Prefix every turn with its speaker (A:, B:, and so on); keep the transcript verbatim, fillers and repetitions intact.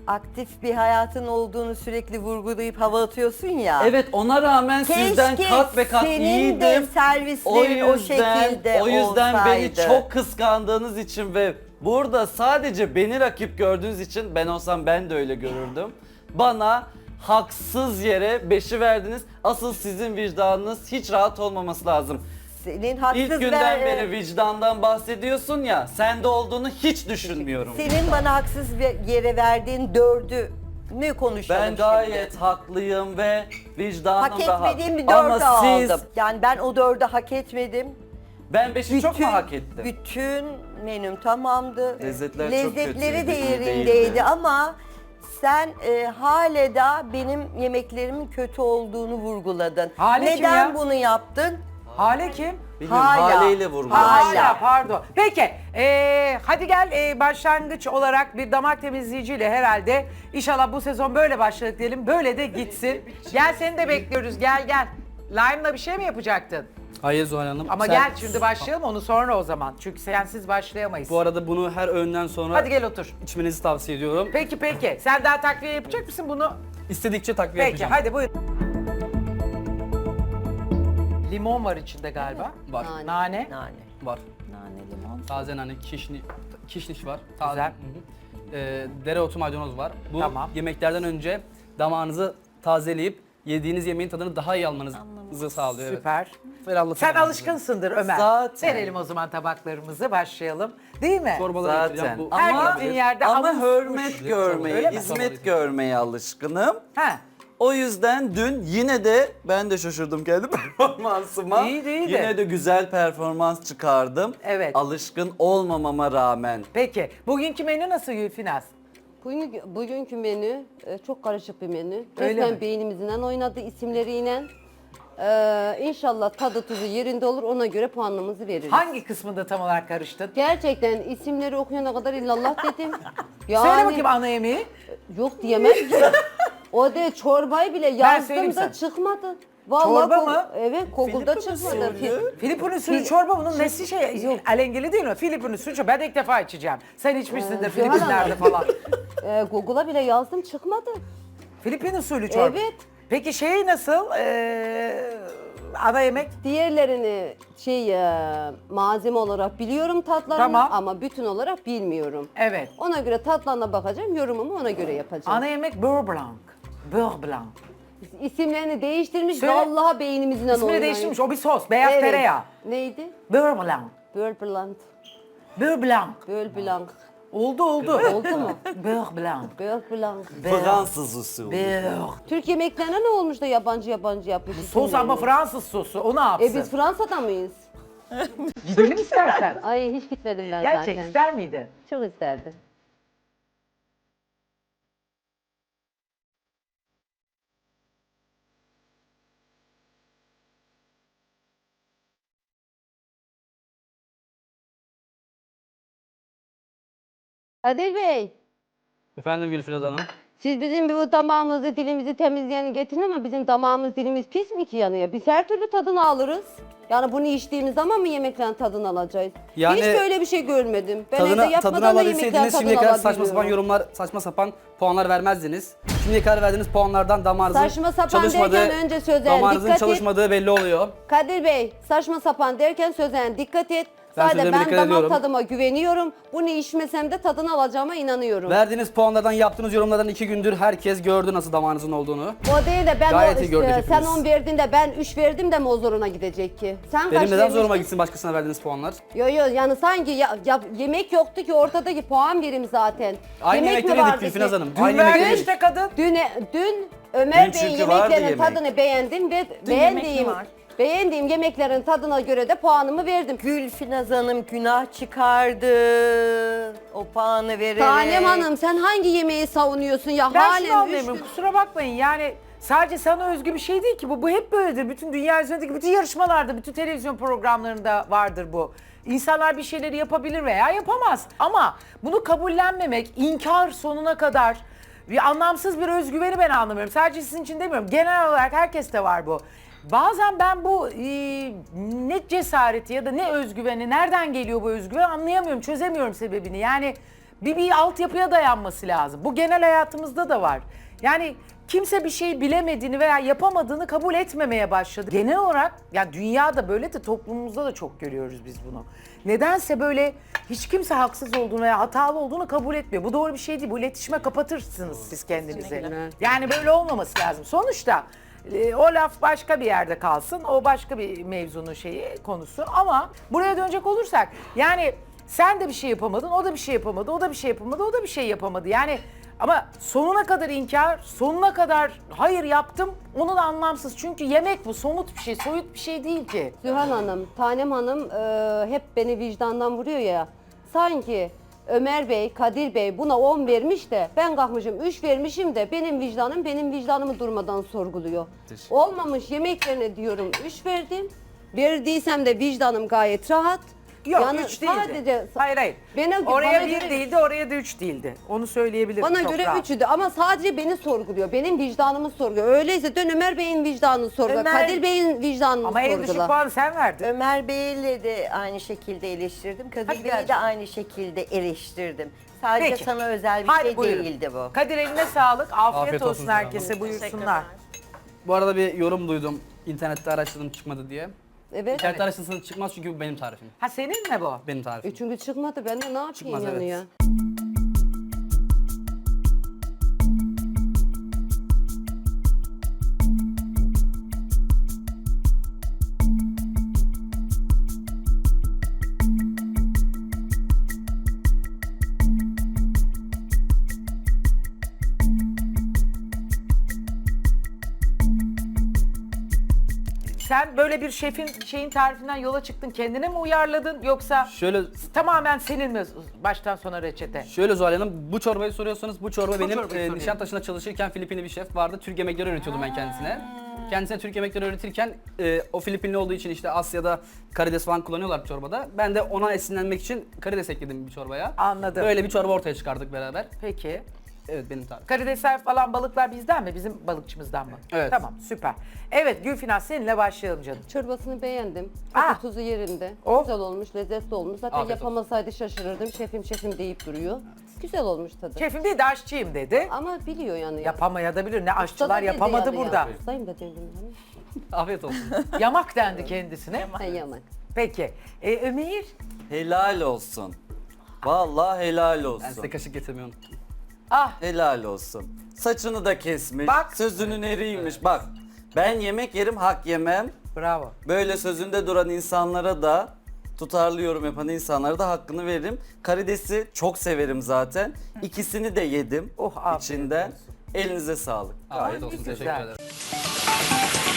A: aktif bir hayatın olduğunu sürekli vurgulayıp hava atıyorsun ya.
B: Evet, ona rağmen
A: Keşke
B: sizden kat ve kat
A: senin
B: iyiydim.
A: de servislerin o, şekilde
B: o yüzden beni
A: olsaydı.
B: çok kıskandığınız için ve burada sadece beni rakip gördüğünüz için, ben olsam ben de öyle görürdüm. Bana haksız yere beşi verdiniz. Asıl sizin vicdanınız hiç rahat olmaması lazım.
A: Senin haksız
B: İlk günden
A: ver-
B: beri vicdandan bahsediyorsun ya, sende olduğunu hiç düşünmüyorum.
A: Senin bana haksız bir yere verdiğin dördü ne konuşalım
B: Ben
A: şimdi?
B: gayet haklıyım ve vicdanım
A: Hak
B: rahat.
A: etmediğim bir dört
B: Ama siz,
A: aldım. Yani ben o dördü hak etmedim.
B: ben beşi çok mu hak ettim?
A: Bütün menüm tamamdı.
B: Lezzetler çok
A: Lezzetleri
B: kötüydü,
A: de
B: iyi
A: yerindeydi
B: değildi.
A: ama sen e, hale da benim yemeklerimin kötü olduğunu vurguladın.
C: Hale kim
A: Neden
C: ya?
A: bunu yaptın?
C: Hale kim?
B: Bilmiyorum,
A: Hala.
B: haleyle vurmuş.
A: Hala.
C: Hala pardon. Peki ee, hadi gel ee, başlangıç olarak bir damak temizleyiciyle herhalde inşallah bu sezon böyle başladık diyelim. Böyle de gitsin. Gel seni de bekliyoruz gel gel. Lime'la bir şey mi yapacaktın?
D: Hayır Zuhal Hanım.
C: Ama
D: Sen-
C: gel şimdi başlayalım onu sonra o zaman. Çünkü sensiz başlayamayız.
D: Bu arada bunu her öğünden sonra
C: Hadi gel otur.
D: içmenizi tavsiye ediyorum.
C: Peki peki. Sen daha takviye yapacak mısın bunu?
D: İstedikçe takviye
C: Peki
D: yapacağım.
C: hadi buyur. Limon var içinde galiba.
D: Var.
A: Nane.
C: Nane.
A: Nane.
D: Var.
A: Nane limon.
D: Taze nane, kişni, kişniş var. Taze.
C: Güzel.
D: Hı hı. Ee, dereotu maydanoz var. Bu
C: Tamam.
D: yemeklerden önce damağınızı tazeleyip yediğiniz yemeğin tadını daha iyi almanızı sağlıyor. evet.
C: Süper.
D: Ferahlatıyor
C: Sen
D: yani.
C: alışkınsındır Ömer.
B: Zaten.
C: Verelim o zaman tabaklarımızı başlayalım. Değil mi?
D: Çorbaları
B: Zaten.
D: getireceğim. Bu
C: Her
B: Ama,
C: gittiğin yerde
B: ama
C: havuz
B: hürmet
C: kuş.
B: görmeye,
C: Öyle mi?
B: hizmet görmeye alışkınım.
C: Ha.
B: O yüzden dün yine de ben de şaşırdım kendi performansıma.
C: İyiydi, iyiydi.
B: Yine de güzel performans çıkardım.
C: Evet.
B: Alışkın olmamama rağmen.
C: Peki. Bugünkü menü nasıl Gülfinaz?
E: Bugün, bugünkü menü e, çok karışık bir menü.
C: Öyle
E: Resmen
C: mi?
E: beynimizden oynadı isimleriyle. Ee, inşallah tadı tuzu yerinde olur, ona göre puanımızı veririz.
C: Hangi kısmında tam olarak karıştın?
E: Gerçekten isimleri okuyana kadar illallah dedim. Yani,
C: Söyle bakayım ana yemeği.
E: Yok diyemem ki. O de çorbayı bile
C: söyleyeyim
E: yazdım
C: sana.
E: da çıkmadı. Vallahi
C: Çorba
E: ko-
C: mı?
E: Evet, Google'da
B: Filipin
E: çıkmadı.
B: usulü.
E: Fi-
C: Filipin usulü
E: Fil-
C: çorba bunun nesi şey alengili değil mi? Filipin usulü çorba. Ben de ilk defa içeceğim. Sen içmişsindir
E: Ee,
C: Filipinler'de falan.
E: Ee, Google'a bile yazdım, çıkmadı.
C: Filipin usulü çorba.
E: Evet.
C: Peki şey nasıl? Ee, ana yemek?
E: Diğerlerini şey e, malzeme olarak biliyorum tatlarını
C: Tamam.
E: ama bütün olarak bilmiyorum.
C: Evet.
E: Ona göre tatlarına bakacağım, yorumumu ona göre yapacağım.
C: Ana yemek beurre blanc. Beurre blanc.
E: İsimlerini değiştirmiş,
C: Söyle.
E: vallahi beynimizden
C: İsmini
E: oynuyor.
C: değiştirmiş. O bir sos. Beyaz
E: Evet.
C: tereyağı.
E: Neydi?
C: Beurre blanc.
E: Beurre blanc.
C: Beurre blanc.
E: Beurre blanc.
C: Oldu oldu.
E: Oldu mu?
C: Beurre blanc.
E: Beurre blanc.
B: Fransız usulü.
C: Beurre.
E: Türk yemeklerine ne olmuş da yabancı yabancı yapmış
C: Sos
E: isimlerini?
C: ama Fransız sosu. O ne yapsın?
E: E biz Fransa'da mıyız?
C: Gidelim istersen.
E: Ay hiç gitmedim ben
C: Gerçek
E: zaten.
C: ister miydin?
E: Çok isterdim. Kadir Bey,
D: Efendim Gülfilaz Hanım.
E: siz bizim bu damağımızı, dilimizi temizleyeni getirin ama bizim damağımız, dilimiz pis mi ki yanıyor? Biz her türlü tadını alırız. Yani bunu içtiğimiz zaman mı yemeklerin tadını alacağız?
D: Yani
E: Hiç böyle bir şey görmedim. Ben evde
D: Tadına,
E: yapmadan
D: tadını
E: da yemeklerin
D: alabilseydiniz
E: tadını
D: şimdiye kadar saçma sapan
E: alabiliyorum.
D: yorumlar, saçma sapan puanlar vermezdiniz. Şimdiye kadar verdiğiniz puanlardan damağınızın
E: Saçma sapan
D: çalışmadığı,
E: derken önce sözel
D: damağınızın
E: dikkat et.
D: çalışmadığı belli oluyor.
E: Kadir Bey, saçma sapan derken sözlerine dikkat et.
D: Ben
E: Sadece
D: sözlerime
E: ben
D: dikkat
E: damak
D: ediyorum.
E: tadıma güveniyorum. Bunu içmesem de tadını alacağıma inanıyorum.
D: Verdiğiniz puanlardan, yaptığınız yorumlardan iki gündür herkes gördü nasıl damağınızın olduğunu.
E: O değil de ben
D: Gayet
E: o
D: iyi gördük
E: işte, sen
D: hepimiz.
E: on verdin de ben üç verdim de mi o zoruna gidecek ki? Sen
D: Benim
E: kaç
D: neden zoruma
E: vermiştin?
D: gitsin başkasına verdiğiniz puanlar?
E: Yo yo yani sanki ya, ya- yemek yoktu ki ortadaki puan verim zaten.
D: Aynı
E: yemek mi
D: yemekleri yedik
E: vardı
D: Gülfinaz
E: ki?
D: Hanım.
C: Dün
D: Aynı
C: verdi
D: yemekleri
C: işte kadın.
E: Dün, dün Ömer
B: Dün
E: Bey'in
B: çünkü vardı
E: yemeklerinin
B: yemek.
E: tadını beğendim ve
A: yemek mi
E: beğendiğim
A: var?
E: beğendiğim yemeklerin tadına göre de puanımı verdim.
A: Gülfinaz Hanım günah çıkardı. O puanı vererek.
E: Tanem Hanım sen hangi yemeği savunuyorsun ya?
C: Ben
E: Halen
C: şunu
E: üç
C: anlayamıyorum.
E: gün-
C: Kusura bakmayın yani sadece sana özgü bir şey değil ki bu. Bu hep böyledir. Bütün dünya üzerindeki bütün yarışmalarda, bütün televizyon programlarında vardır bu. İnsanlar bir şeyleri yapabilir veya yapamaz. Ama bunu kabullenmemek, inkar sonuna kadar bir anlamsız bir özgüveni ben anlamıyorum. Sadece sizin için demiyorum. Genel olarak herkeste var bu. Bazen ben bu e, ne cesareti ya da ne özgüveni, nereden geliyor bu özgüven anlayamıyorum, çözemiyorum sebebini. Yani Bir, bir altyapıya dayanması lazım. Bu genel hayatımızda da var. Yani kimse bir şey bilemediğini veya yapamadığını kabul etmemeye başladı. Genel olarak ya dünyada böyle de toplumumuzda da çok görüyoruz biz bunu. Nedense böyle hiç kimse haksız olduğunu veya hatalı olduğunu kabul etmiyor. Bu doğru bir şey değil. Bu iletişime kapatırsınız siz kendinizi. Yani böyle olmaması lazım. Sonuçta e, o laf başka bir yerde kalsın. O başka bir mevzunun şeyi, konusu. Ama buraya dönecek olursak yani sen de bir şey yapamadın, o da bir şey yapamadı, o da bir şey yapamadı, o da bir şey yapamadı. Yani ama sonuna kadar inkar, sonuna kadar hayır yaptım, onun anlamsız. Çünkü yemek bu, somut bir şey, soyut bir şey değil ki.
E: Zühal Hanım, Tanem Hanım e, hep beni vicdandan vuruyor ya. Sanki Ömer Bey, Kadir Bey buna on vermiş de ben kalkmışım üç vermişim de benim vicdanım benim vicdanımı durmadan sorguluyor.
B: Teşekkür
E: Olmamış yemeklerine diyorum üç verdim. Verdiysem de vicdanım gayet rahat.
C: Yok
E: Yani
C: üç değildi.
E: sadece-
C: hayır hayır.
E: Bana-
C: oraya
E: bana
C: bir
E: göre-
C: değildi, oraya da üç değildi. Onu söyleyebilirim
E: Bana
C: çok
E: göre
C: rahat.
E: üçüydü ama sadece beni sorguluyor. Benim vicdanımı sorguluyor. Öyleyse dön Ömer Bey'in vicdanını sorgula.
A: Ömer-
E: Kadir Bey'in vicdanını
C: Ama en düşük
E: sorgula.
C: puanı sen verdin.
A: Ömer Bey'le de aynı şekilde eleştirdim.
C: Hadi
A: Kadir Bey'i
C: gel.
A: de aynı şekilde eleştirdim. Sadece
C: Peki.
A: sana özel bir
C: Hadi
A: şey
C: buyurun.
A: değildi bu.
C: Kadir eline sağlık. Afiyet,
D: Afiyet
C: olsun,
D: olsun
C: herkese.
D: Zühal
C: Buyursunlar.
D: Bu arada bir yorum duydum. İnternette araştırdım çıkmadı diye.
E: Evet.
D: İnternette araştırsanız çıkmaz çünkü bu benim tarifim.
C: Ha senin mi bu?
D: Benim tarifim.
E: Üçüncü çıkmadı. Ben de ne yapayım
D: Çıkmaz,
E: yani
D: evet.
E: ya?
C: Sen böyle bir şefin şeyin tarifinden yola çıktın, kendine mi uyarladın yoksa
D: Şöyle
C: tamamen senin mi baştan sona reçete?
D: Şöyle Zuhal Hanım, bu çorbayı soruyorsanız bu çorba benim
C: çorbayı
D: e,
C: soruyorum.
D: Nişantaşı'nda çalışırken Filipinli bir şef vardı. Türk yemekleri öğretiyordum ben kendisine. Kendisine Türk yemekleri öğretirken e, o Filipinli olduğu için işte Asya'da karides falan kullanıyorlar çorbada. Ben de ona esinlenmek için karides ekledim bir çorbaya.
C: Anladım.
D: Böyle bir çorba ortaya çıkardık beraber.
C: Peki.
D: Evet benim tarifim.
C: Karidesler falan balıklar bizden mi? Bizim balıkçımızdan mı?
D: Evet.
C: Tamam süper. Evet Gülfinaz seninle başlayalım canım.
E: Çorbasını beğendim.
C: Ah!
E: Tadı tuzu yerinde.
C: Oh!
E: Güzel olmuş, lezzetli olmuş. Zaten
D: Afiyet olsun.
E: yapamasaydı şaşırırdım. Şefim şefim deyip duruyor. Güzel olmuş tadı.
C: Şefim değil de aşçıyım dedi.
E: Ama biliyor yani.
C: Yapamayabilir. Ne
E: Usta da
C: aşçılar
E: dedi
C: yapamadı
E: yani
C: burada.
E: ya. Ustayım da dedim yani.
D: Afiyet olsun.
C: Yamak dendi kendisine.
E: Ha, yaman.
C: Peki. E, Ömeyr?
B: Helal olsun. Vallahi helal
D: Ben
B: olsun.
D: size kaşık getirmeyi unuttum.
C: Ah
B: Helal olsun. Saçını da kesmiş.
C: Bak.
B: Sözünün eriymiş. Bak. Ben yemek yerim, hak yemem.
C: bravo.
B: Böyle sözünde duran insanlara da, tutarlı yorum yapan insanlara da hakkını veririm. Karidesi çok severim zaten. İkisini de yedim
C: Oh, afiyet
B: içinden.
C: olsun.
B: Elinize sağlık.
D: Afiyet olsun.
C: güzel.
D: Teşekkür ederim.